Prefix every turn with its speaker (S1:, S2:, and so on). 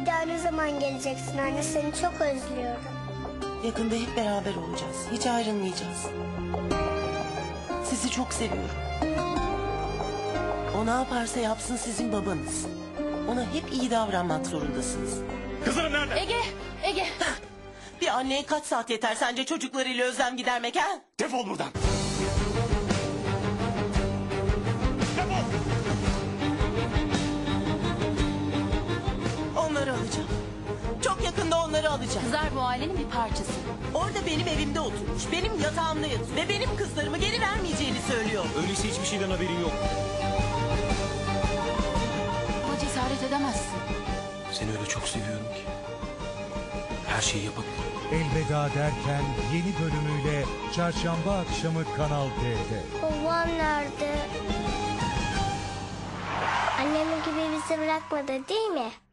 S1: Bir daha ne zaman geleceksin anne? Seni çok özlüyorum.
S2: Yakında hep beraber olacağız. Hiç ayrılmayacağız. Sizi çok seviyorum. O ne yaparsa yapsın sizin babanız. Ona hep iyi davranmak zorundasınız.
S3: Kızlarım nerede?
S4: Ege.
S2: Bir anneye kaç saat yeter sence çocuklarıyla özlem gidermek ha?
S3: Defol buradan. Defol.
S2: Onları alacağım. Çok yakında onları alacağım.
S4: Kızlar bu ailenin bir parçası.
S2: Orada benim evimde oturmuş, benim yatağımda yatıyor ve benim kızlarımı geri vermeyeceğini söylüyor.
S3: Öyleyse hiçbir şeyden haberin yok.
S4: Buna cesaret edemezsin.
S3: Seni öyle çok seviyorum ki. Her şeyi yapabilirim.
S5: Elveda derken yeni bölümüyle çarşamba akşamı Kanal D'de.
S1: Babam nerede? Annem gibi bizi bırakmadı değil mi?